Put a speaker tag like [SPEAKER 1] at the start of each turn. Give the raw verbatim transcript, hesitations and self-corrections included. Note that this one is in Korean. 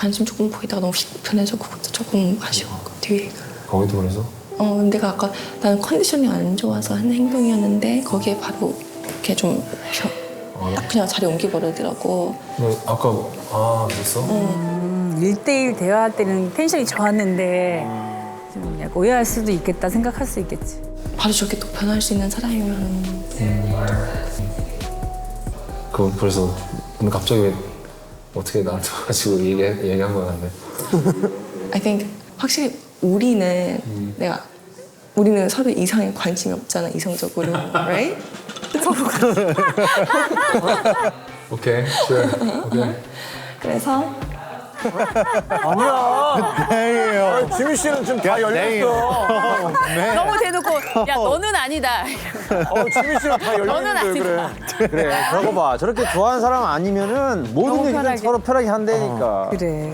[SPEAKER 1] 관심 조금 보이다가 너무 불편해서 그것도 조금 아쉬워. 뒤에.
[SPEAKER 2] 거기도 그래서?
[SPEAKER 1] 어, 내가 아까 나는 컨디션이 안 좋아서 한 행동이었는데 거기에 바로 이렇게 좀 딱 그냥 자리 옮겨버리더라고.
[SPEAKER 2] 너 아까 아 그랬어?
[SPEAKER 1] 응.
[SPEAKER 3] 일대일 대화할 때는 텐션이 좋았는데 좀 약간 오해할 수도 있겠다 생각할 수 있겠지.
[SPEAKER 1] 바로 저렇게 또 변할 수 있는 사람이면
[SPEAKER 2] 음. 그 그래서 오늘 갑자기 왜 어떻게 나한테 와가지고 얘기 얘기한 거야 근데?
[SPEAKER 1] I think 확실히 우리는
[SPEAKER 2] 음.
[SPEAKER 1] 내가 우리는 서로 이상에 관심이 없잖아 이성적으로, right?
[SPEAKER 2] 오케이, sure, 오케이.
[SPEAKER 1] 그래서
[SPEAKER 4] 다행이에요.
[SPEAKER 5] 지민 씨는 좀 다 열렸어.
[SPEAKER 3] 너무 대놓고 야 너는 아니다.
[SPEAKER 5] 어, 지민 씨는 다
[SPEAKER 3] 너는
[SPEAKER 5] 열렸는데 그래.
[SPEAKER 3] 아니다.
[SPEAKER 4] 그래, 저거 봐. 저렇게 좋아하는 사람 아니면은 모든
[SPEAKER 3] 너무
[SPEAKER 4] 얘기를
[SPEAKER 3] 편하게.
[SPEAKER 4] 서로 편하게 한다니까.
[SPEAKER 3] 그래.